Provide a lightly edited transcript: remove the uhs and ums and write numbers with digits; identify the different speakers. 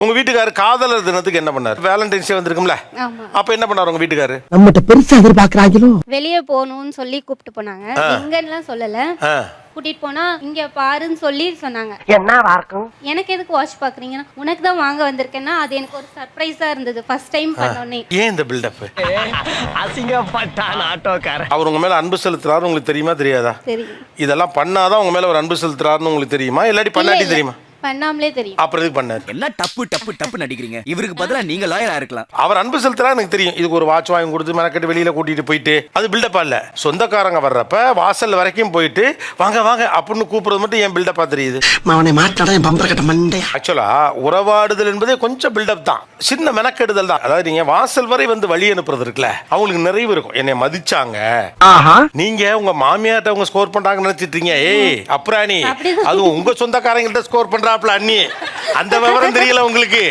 Speaker 1: உங்க வீட்டுக்காரர் காதலர் தினத்துக்கு என்ன பண்ணாரு? வேலண்டைன்ஸ் டே வந்திருக்கும்ல, அப்ப என்ன பண்ணாரு உங்க வீட்டுக்காரர்?
Speaker 2: நம்மகிட்ட பெருசா எதிர்பார்க்கறாங்களோ.
Speaker 3: வெளியே போகணும்னு சொல்லி கூப்பிட்டு போனாங்க. எங்கன்னு சொல்லல, கூட்டிட்டு போனா இங்க பாருன்னு சொல்லி சொன்னாங்க.
Speaker 2: என்ன இருக்கும்?
Speaker 3: எனக்கு எதுக்கு வாட்ச் பாக்குறீங்கன்னா, உனக்கு தான் வாங்க வந்திருக்கேன்னா அது எனக்கு ஒரு சர்ப்ரைஸா இருந்தது ஃபர்ஸ்ட் டைம் பண்ணோனே.
Speaker 1: ஏன் இந்த பில்டப்?
Speaker 2: அசிங்கப்பட்டான் ஆட்டோக்காரன்.
Speaker 1: அவர் உங்க மேல அன்பு செலுத்துறாரு உங்களுக்கு தெரியுமா தெரியாதா?
Speaker 3: தெரியும்.
Speaker 1: இதெல்லாம் பண்ணாதான் உங்க மேல ஒரு அன்பு செலுத்துறாருன்னு உங்களுக்கு தெரியுமா, இல்லாட்டி பண்ணாட்டி தெரியுமா?
Speaker 3: பண்ணாமலே தெரியும்.
Speaker 1: அப்புறம் எதுக்கு பண்ணாரு?
Speaker 4: எல்லாம் டப்பு டப்பு டப்பு நடிக்கிறீங்க. இவருக்கு பதிலா நீங்க லாயரா இருக்கலாம்.
Speaker 1: அவர் அன்பு செலுத்துறா எனக்கு தெரியும். இதுக்கு ஒரு வாட்ச் வாங்கி கொடுத்து மெனக்கட்டு வெளியில கூட்டிட்டு போயிட்டு அது பில்டப்பா இல்ல. சொந்தக்காரங்க வர்றப்ப வாசல் வரைக்கும் போயிட்டு வாங்க வாங்க அப்படின்னு கூப்பிடுறது மட்டும் ஏன் பில்டப்பா தெரியுது?
Speaker 2: அவனை மாட்டாடா என் பம்பர கட்ட மண்டை.
Speaker 1: ஆக்சுவலா உறவாடுதல் என்பதே கொஞ்சம் பில்டப் தான், சின்ன மெனக்கெடுதல் தான். அதாவது நீங்க வாசல் வரை வந்து வழி அனுப்புறது இருக்குல்ல, அவங்களுக்கு நிறைவு இருக்கும். என்னை மதிச்சாங்க, நீங்க உங்க மாமியார்ட்ட அவங்க ஸ்கோர் பண்றாங்கன்னு நினைச்சிட்டு இருக்கீங்க. ஏய் அப்புறாணி, அது உங்க சொந்தக்காரங்கள்ட்ட ஸ்கோர் பண்றாப்ல அண்ணி, அந்த விவரம் தெரியல உங்களுக்கு.